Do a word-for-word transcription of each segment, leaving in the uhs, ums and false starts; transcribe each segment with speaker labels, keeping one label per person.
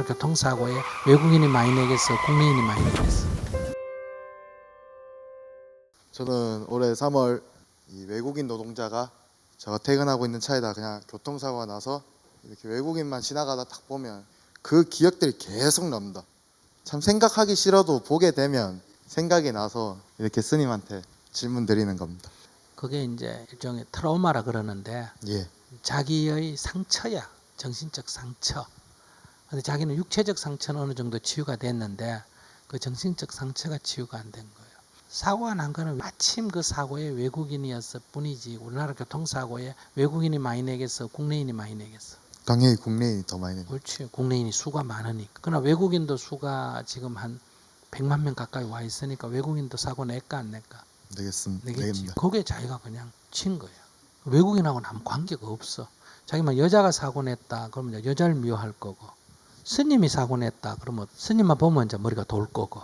Speaker 1: 우리나라 교통사고에 외국인이 많이 내겠어, 국내인이 많이 내겠어?
Speaker 2: 저는 올해 삼월 이 외국인 노동자가 제가 퇴근하고 있는 차에다 그냥 교통사고가 나서 이렇게 외국인만 지나가다 딱 보면 그 기억들이 계속 납니다. 참 생각하기 싫어도 보게 되면 생각이 나서 이렇게 스님한테 질문 드리는 겁니다.
Speaker 1: 그게 이제 일종의 트라우마라 그러는데
Speaker 2: 예,
Speaker 1: 자기의 상처야, 정신적 상처. 근데 자기는 육체적 상처는 어느 정도 치유가 됐는데 그 정신적 상처가 치유가 안 된 거예요. 사고가 난 거는 마침 그 사고에 외국인이었을 뿐이지 우리나라 교통사고에 외국인이 많이 내겠어, 국내인이 많이 내겠어?
Speaker 2: 당연히 국내인이 더 많이 냅니다.
Speaker 1: 그렇지. 국내인이 수가 많으니까. 그러나 외국인도 수가 지금 한 백만 명 가까이 와 있으니까 외국인도 사고 낼까 안 낼까?
Speaker 2: 되겠습니다.
Speaker 1: 내겠지.
Speaker 2: 되겠습니다.
Speaker 1: 거기에 자기가 그냥 친 거예요. 외국인하고는 아무 관계가 없어. 자기만 여자가 사고 냈다 그러면 이제 여자를 미워할 거고, 스님이 사고 냈다 그러면 스님만 보면 이제 머리가 돌 거고,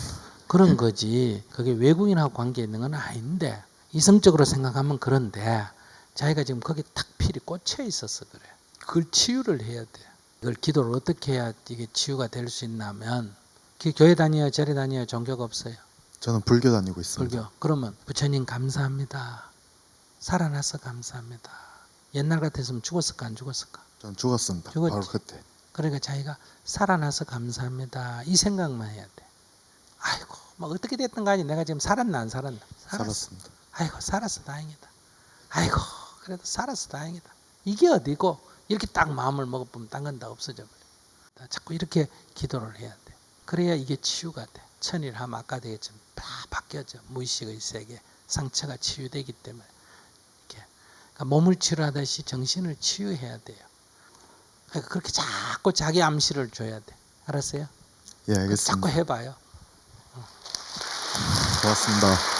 Speaker 1: 그런 거지. 그게 외국인하고 관계 있는 건 아닌데, 이성적으로 생각하면 그런데 자기가 지금 거기 탁 필이 꽂혀 있어서 그래. 그걸 치유를 해야 돼. 이걸 기도를 어떻게 해야 이게 치유가 될 수 있냐면, 교회 다녀요, 절에 다녀요, 종교가 없어요?
Speaker 2: 저는 불교 다니고 있습니다.
Speaker 1: 불교. 그러면 부처님 감사합니다. 살아나서 감사합니다. 옛날 같았으면 죽었을까 안 죽었을까?
Speaker 2: 전 죽었습니다.
Speaker 1: 죽었지.
Speaker 2: 바로 그때.
Speaker 1: 그러니까 자기가 살아나서 감사합니다. 이 생각만 해야 돼. 아이고, 뭐 어떻게 됐든 간에 내가 지금 살았나 안 살았나? 살았어.
Speaker 2: 살았습니다.
Speaker 1: 아이고, 살았어 다행이다. 아이고, 그래도 살았어 다행이다. 이게 어디고 이렇게 딱 마음을 먹어보면 딴 건 다 없어져 버려. 자꾸 이렇게 기도를 해야 돼. 그래야 이게 치유가 돼. 천일하면 아까 되겠지만 다 바뀌어져. 무의식의 세계, 상처가 치유되기 때문에. 이렇게. 그러니까 몸을 치유하듯이 정신을 치유해야 돼요. 그러니까 그렇게 자꾸 자기 암시를 줘야 돼. 알았어요?
Speaker 2: 예,
Speaker 1: 자꾸
Speaker 2: 알겠습니다.
Speaker 1: 해봐요.
Speaker 2: 고맙습니다.